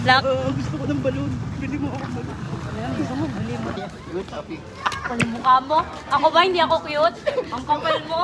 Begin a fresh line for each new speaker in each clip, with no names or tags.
Black.
Gusto ko ng balon. Bili mo ako balon.
Ayan, gusto mo, bili mo.
Good topic.
Pali mukha mo. Ako ba, hindi ako cute? Ang kapal mo.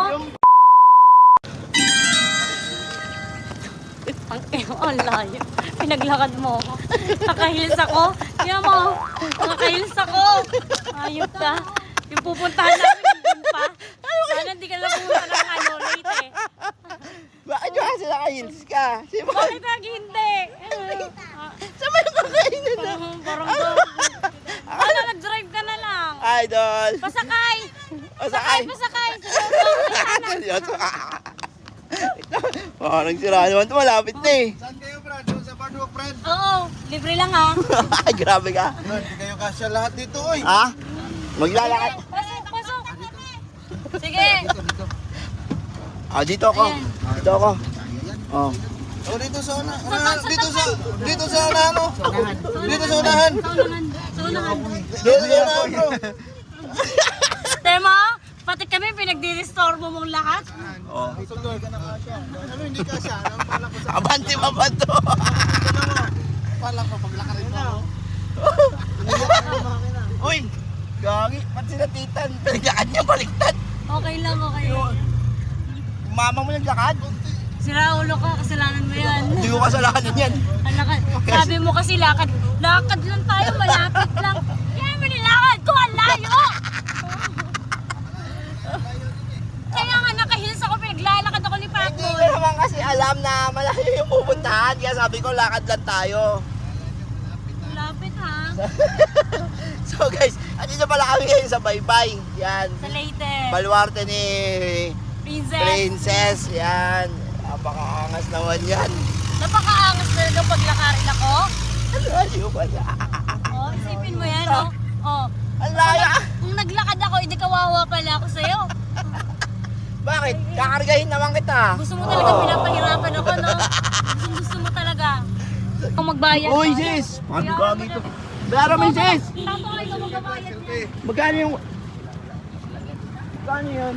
Ang layo. Pinaglakad mo ako. Nakahils ako. Kaya mo, nakahils ako. Ayop ka. Yung pupuntahan namin, nandun pa. Sana hindi ka lang pumunta ng late eh.
Bakit yung kasi naka-heels ka? Sino ba?
Bakit lagi hindi?
Saan ba yung kakainan na?
Parang ano, nag-drive ka na lang.
Idol!
Pasakay!
Pasakay!
Pasakay!
Seryoso ka? Parang sira naman ito, malapit na eh.
Saan kayo, Brad? Doon sa Boardwalk, Brad?
Oo, libre lang ha.
Ay, grabe ka.
Brad, hindi kayo kasya lahat dito, oy.
Ha? Maglalakad.
Pasok, pasok. Sige.
Ah, dito ako. Dito ako. Oh.
O, dito sa una. Dito sa unahan, oh. Dito sa unahan.
Saunahan. Saunahan.
Dito sa unahan, bro.
Tema, pati kami pinagdi-restore mo mong lahat.
Oh.
Sulod ka na kasya. Ano, hindi kasya. Ano, pala ko sa...
Abante mabato.
Pala ko, paglakarin mo.
Uy! Gagi, pati sila titan. Pinaglakad niya baliktad.
Okay lang, okay lang.
Mama mo naglakad.
Sira ulo ka, kasalanan mo yan.
Hindi ko kasalanan yan.
Ang lakad. Sabi mo kasi lakad. Lakad lang tayo, malapit lang. Kaya mo nilakad ko, ang layo! Kaya nga nakahils ako, pinaglalakad ako ni
Hindi
Pacboy.
ko naman kasi alam na malayo yung pupuntahan. Kaya sabi ko, lakad lang tayo.
Malapit ha?
So guys, andito pala kami ngayon sa Baybay. Yan.
Sa Leyte.
Baluarte ni
Princess.
Princess. Yan. Napakaangas naman yan.
Napakaangas na nung paglakarin ako.
Ang layo pala.
Oh, isipin mo yan, oh. Oh.
Ang layo.
Kung naglakad ako, hindi kawawa pala ako sa'yo.
Bakit? Kakargahin naman kita.
Gusto mo talaga pinapahirapan ako, no? Gusto mo talaga. Kung magbayad
Uy,
ka.
sis! Ano gagi ito? Bayara mo yung sis!
Tato kayo kung magbabayad niya.
Magkano yung... Magkano yun?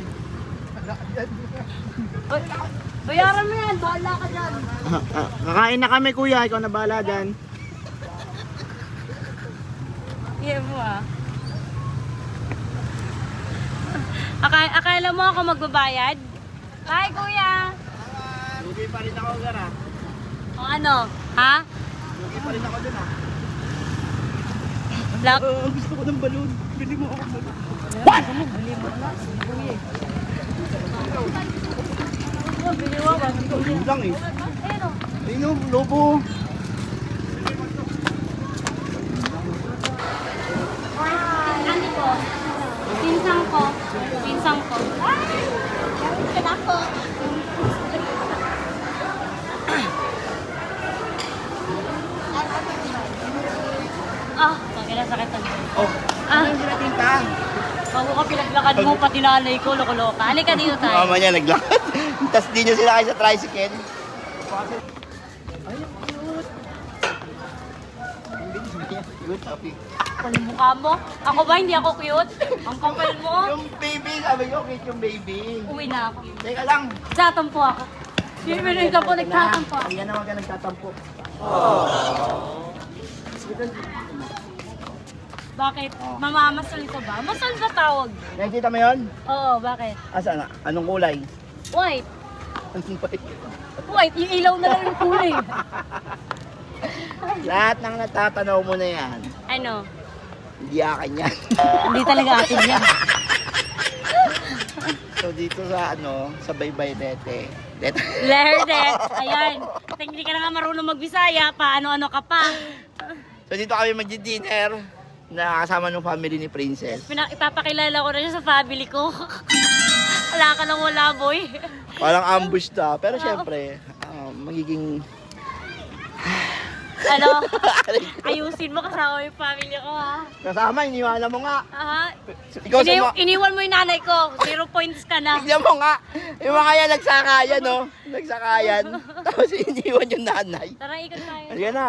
Bayaran mo yan, bahala ka dyan.
Kakain na kami kuya, ikaw na bahala dyan.
Iya mo ah. Akala mo ako magbabayad? Hi kuya!
Lugi pa rin ako, Gara.
O ano? Ha?
Lugi pa rin ako dun, ha?
Black?
Gusto ko ng balon. Bili mo ako balon.
What? Bili mo na. Bili mo ba?
Yun lang eh.
Ayun o.
Ayun o, lobo.
Ano ko? Pinsang ko. Pinsang ko. Ay! Kailan ko. Ah, sakit ang
Oh,
Ah.
ano yung sinatinta?
bago ka pinaglakad mo, pati nanay ko, loko-loka. Halika dito tayo.
Mama niya naglakad. Tapos di niya sila kayo sa tricycle. Ay, cute. Cute, happy.
Pali mukha mo. Ako ba, hindi ako cute? Ang kapal mo.
Yung baby, sabi ko, cute yung baby.
Uwi na ako.
Teka lang.
Tatampo ako. Hindi ka po nagtatampo ako.
Ayan naman ka nagtatampo.
Bakit? Mamamasal ko ba? Masal ba tawag?
Nakikita mo yun?
Oo, bakit?
Asa na? Anong kulay?
White.
Anong kulay?
White, yung ilaw na lang yung kulay.
Lahat ng natatanaw mo na yan,
Ano?
hindi akin yan.
Hindi talaga atin yan.
So dito sa sa Baybay Lete.
Lerdet. Ayan. Hindi ka na nga marunong magbisaya. Paano-ano ka pa.
So dito kami magdi-dinner na kasama ng family ni Princess.
Ipapakilala ko na siya sa family ko. Wala ka nang wala, boy.
Parang ambush ta. Pero syempre, magiging...
Ano? Ayusin mo kasama yung family ko, ha?
Kasama, iniwala mo nga.
Aha.
Ikaw sa mga...
Iniwan mo yung nanay ko. 0 points ka na.
Tignan mo nga. Yung mga yan nagsakayan, no? Nagsakayan. Tapos iniwan yung nanay.
Tara, ikot tayo.
Halika na.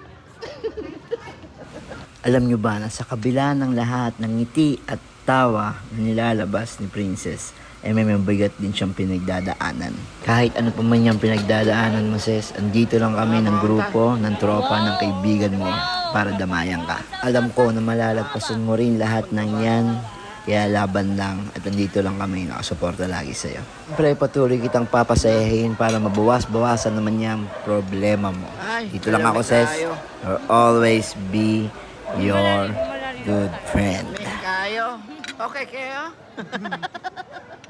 Alam nyo ba na sa kabila ng lahat ng ngiti at tawa na nilalabas ni Princess,
may mabigat din siyang pinagdadaanan. Kahit ano pa man yung pinagdadaanan mo, sis, andito lang kami ng grupo, ng tropa, ng kaibigan mo para damayan ka. Alam ko na malalagpasan mo rin lahat ng yan. Kaya laban lang at andito lang kami nakasuporta lagi sa'yo. Siyempre patuloy kitang papasayahin para mabawas-bawasan naman yung problema mo. Dito lang ako, sis. I'll always be your good friend.
Kayo? Okay kayo?